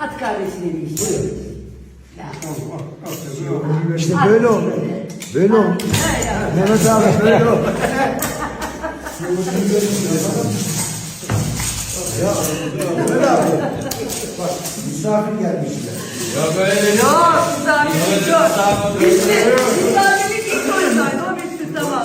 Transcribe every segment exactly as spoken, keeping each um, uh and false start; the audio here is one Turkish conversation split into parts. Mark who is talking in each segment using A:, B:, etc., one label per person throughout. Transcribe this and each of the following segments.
A: At kardeşine bir işte. Ya.
B: İşte böyle ol. Böyle ol. Mehmet abi böyle ol. Ya Mehmet abi. Bak misafir gelmişler.
C: Ya böyle
A: Yok, misafirlik yok. Bitti. Misafirlik ilk oradaydı. O bitti, tamam.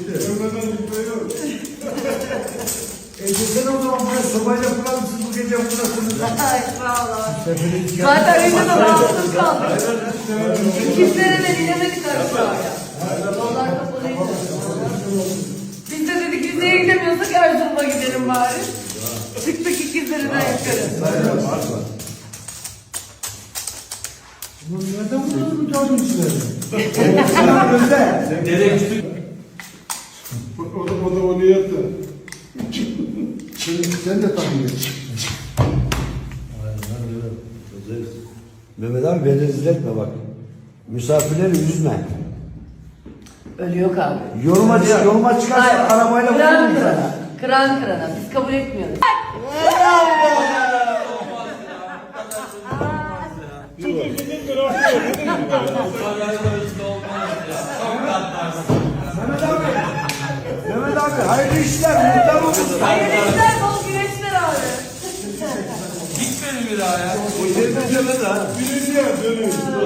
B: E sen o zaman buraya sobayla kurar mısın bu gece burasını?
A: Ay sağ ol. Zaten önce de rahatsız kaldık. İkizlere de bilemedik aşağıya. Yollar kapalıydı. Biz de dedik yüzeye gidemiyorsak Erzurum'a gidelim bari. Çıktık ikizlerden yukarı.
B: Bunu nereden buldun bu dördüncüleri? Sana özel.
C: Dede küçük.
D: O da, o da onu yaptı.
B: Sen, sen de tanıyorsun. Mehmet abi beni rezil etme bak. Misafirleri üzme.
A: Öyle yok abi.
B: Yoruma, yoruma çıkarsa
A: Hayır.
B: arabayla
A: Kıran
B: vururum
A: kırana.
B: sana.
A: Kıran kırana. Biz kabul etmiyoruz.
B: Mehmet abi. Mehmet abi hayırlı işler. Mutlu olsun.
A: Hayırlı işler, bol güneşler abi.
C: Gitmedi bir daha ya. O yerine gelmedi ha.
D: Birinci yer dönüyor.